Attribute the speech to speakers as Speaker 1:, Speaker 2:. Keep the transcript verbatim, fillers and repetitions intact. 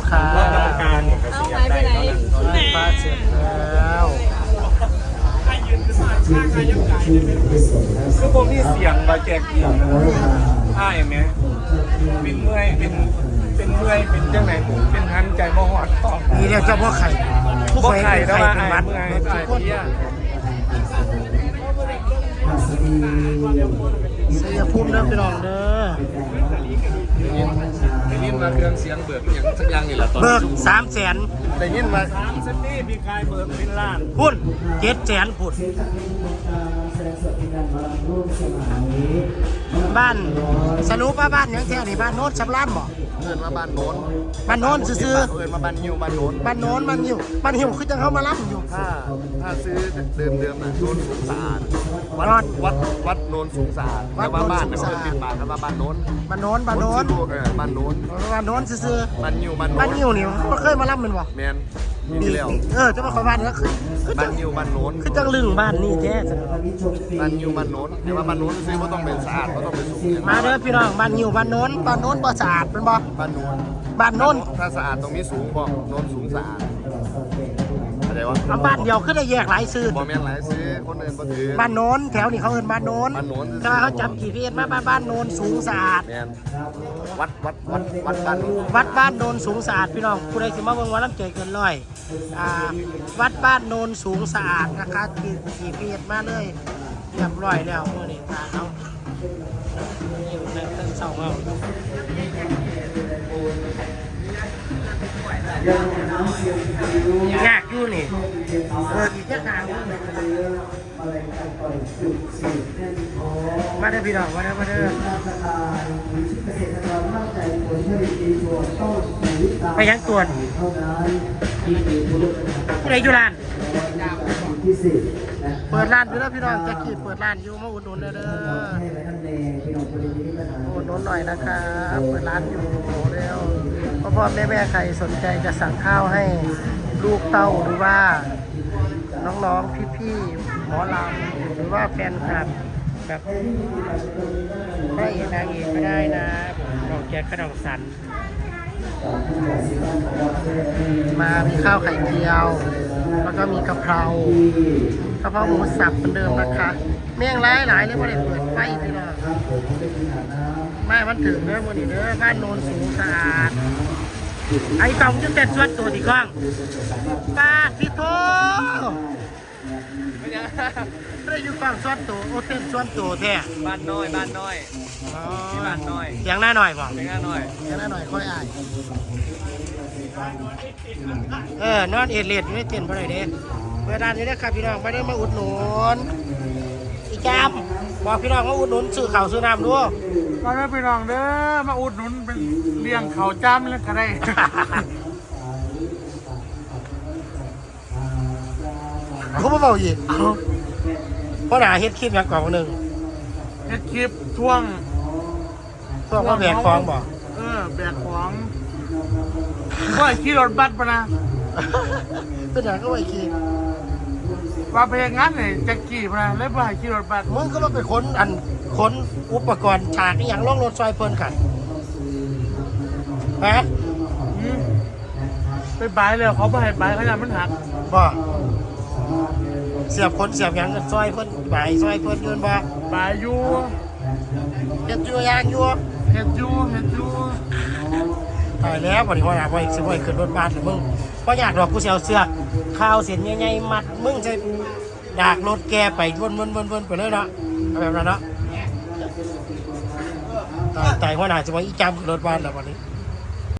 Speaker 1: ครับ
Speaker 2: กรรมการเอาไปไปไหน
Speaker 1: ฟ้าเสร็จแล้ว
Speaker 2: คือผมนี่เสียงมาแจกอีกอ้ายไหมเป็นเมื่อยเป็นเป็นเมื่อยเป็นจังไหนเป็นหันใจบ่หอดต่อ
Speaker 1: นี่เรียกเจ้าพ่อไข่
Speaker 2: บ่ไข่แล้วว่า
Speaker 1: เป็น
Speaker 2: อ้าย
Speaker 1: มัด
Speaker 2: เมื่อยอ้ายเพี้ย
Speaker 1: เสียภูมิเด้อพี่น้องเด้อ
Speaker 2: ได้ยินมาเครื่องเสียงเบิกอย่างสักอย่างนี่แหละตอน
Speaker 1: เบิกสามแสน
Speaker 2: ได้ยินมาสามสตีพี่กายเบิกเป็นล้าน
Speaker 1: พุ่นเจ็ดแสนพุ่นบ้านสนุป้าบ้านยังแถวนี่บ้านโน้นชำรานบ่
Speaker 2: เอินมาบ้านโน้น
Speaker 1: บ้านโน้นซื้อ
Speaker 2: เอินมาบ้านยิวบ้านโน้น
Speaker 1: ๆบ้านโน้นบ้านหิวบ้านหิวคือจังเข้ามารับอยู่
Speaker 2: ถ้าถ้าซื้อเดิมเดิมน่ะโน้นสูงสะอาดวัด
Speaker 1: นอน
Speaker 2: วัดวัดโน้นสูงสะอาด
Speaker 1: วั
Speaker 2: แต่
Speaker 1: ด
Speaker 2: ว่า
Speaker 1: โน้น
Speaker 2: บ้าน
Speaker 1: สู
Speaker 2: เนี่ย
Speaker 1: งสะ
Speaker 2: เพิ่
Speaker 1: อาด
Speaker 2: นติดบ้านครับว่าบ้านโน้น
Speaker 1: บ้านโน้นบ้านโน้น
Speaker 2: คซื้อลูกเออบ้านโน้น
Speaker 1: บ้านโน้นซื้อ
Speaker 2: บ้านยิวบ้าน
Speaker 1: ๆ
Speaker 2: โน้
Speaker 1: บ้าน
Speaker 2: น
Speaker 1: หิวนี่เขาเคยมารับมันบ่
Speaker 2: แมนปีที่แล้ว
Speaker 1: เออจะมาขอบ้านแล้วคือคือจั
Speaker 2: บ้าง นยิวบ้านโน้น
Speaker 1: คือจังลึงบ้านนี่แท้
Speaker 2: บ้านยิวบ้านโน้นแต่ว่าบ้านโน้นซื้อก็ต้องเป็นสะอาดก็ต้องเป็นสูง
Speaker 1: มาเด้อพี่น้องบ้านหิวบ้านโน้นบ้านโน้นบ่สะอาดเป็นบ่
Speaker 2: บ้านโน้น
Speaker 1: บ้านโน้น
Speaker 2: ถ้าสะอาดตรงนี้สูงบอกโน้นสูงสะอาดอะไรวะ
Speaker 1: เอาบ้านเดียวขึ้นได้แยกหลายซื้อ
Speaker 2: บอแมนหลายซื้อคนอื่นก็ถือ
Speaker 1: บ้านโน้นแถวนี้เขาเอิ้นบ้านโน้น
Speaker 2: บ้านโน้น
Speaker 1: ถ้าเขาจับกี่พีเอ็นมาบ้านบ้านโน้นสูงสะอาด
Speaker 2: แมนวัดวัดวัดวัดบ้านโน้น
Speaker 1: วัดบ้านโนนสูงสะอาดพี่น้องผู้ใดสิมาเบิ่งว่าน้ำใจเกินร้อยอ่าวัดบ้านโนนสูงสะอาดนะคะกี่กี่เพียรมาเลยเรียบร้อยแล้วมื้อนี้ตาเอาอยู่ในเต้นเสาเอายากอยู่นี่เอออีกแค่ทางมาเด้อพี่น้องมาเด้อมาเด้อไปยังตรวจผู้ใดอยู่ร้านเปิดร้านอยู่แล้วพี่น้องแจ็คกี้เปิดร้านอยู่มาอุดหนุนเด้อเด้ออุดหนุนหน่อยนะครับเปิดร้านอยู่แล้วพ่อพ่อแม่แม่ใครสนใจจะสั่งข้าวให้ลูกเต้าหรือว่าน้องๆพี่ๆหมอลำหรือว่าแฟนคลับแบบพระเอกนางเอกก็ได้นะน้องแจ็คกระดองสันมามีข้าวไข่เจียวแล้วก็มีกะเพรากะเพราหมูสับเหมือนเดิมนะคะเมี่ยงหลายหลายเลยว่าได้เปิดไฟพี่น้องไม่มันถึงเด้อวันนี้เด้อบ้านโนนสูงสะอาดไอ้กล่องจุดเด็ดส่วนตัวที่กล้องป้าพี่โตได้อยู่ฝั่งส่วนตัวโอเต้นส่วนตัวแท้
Speaker 2: บ้านน้อยบ้านน้อยที่บ้านน้อย
Speaker 1: เสียงหน้าหน่อยบ่
Speaker 2: เล็กน้อย
Speaker 1: เสียงหน้าหน่อยค่อยอายเออนอนเอ็ดเลียดอยู่ในเต็นท์บ่ได้เด้เปิดร้านนี้นะครับพี่น้องไม่ได้มาอุดหนุนอีจามบอกพี่น้องว่าอุดหนุนซื้อข้าวซื้อน้ำด้วย
Speaker 3: มาแม่พี่น้องเด้อมาอุดหนุนเป็นเลี้ยงเขาจ้ำแล้วก็ได้
Speaker 1: เขาไม่เบาอีกเพราะหนาเฮ็ดคลิปอย่างก่อนหนึ่ง
Speaker 3: เฮ็ดคลิปท่วง
Speaker 1: พวกว่าแบกฟองบอก
Speaker 3: เออแบกของว่าขี่รถบัสปะนะ
Speaker 1: เป็นอย่างก็ไอ้คลิป
Speaker 3: ว่าไปอย่างนั้นเนี่ยแจ็คกี้ปะนะแล้วว่าขี่รถบัส
Speaker 1: มึงก็มาไปค้นอันค้นอุปกรณ์ฉากนี่อย่างล่องรถซอยเพลินกันฮะ
Speaker 3: อืมไปบายเลยเขาไปให้บายเขาอยากมันหัก
Speaker 1: บอกเสียบคนเสียบอย่างซอยเพิ่นใบซอยเพิ่นยืนบอก
Speaker 3: บายอยู่
Speaker 1: เฮ็ดอยู่ยางอยู่
Speaker 3: เห็ดอยู่เห็ดอยู่
Speaker 1: ตายแล้ววันนี้ว่าอยากไปสิไปขึ้นรถบัสหรือมึงเพราะอยากดอกกูเสียวเสือกข้าวเส้นใหญ่ๆมัดมึงจะดากรถแกไปวนๆๆๆไปเลยเนาะเอาแบบนั้นเนาะตายตายหัวหน้าจะว่าอีจำขึ้นรถบัสแล้ววันนี้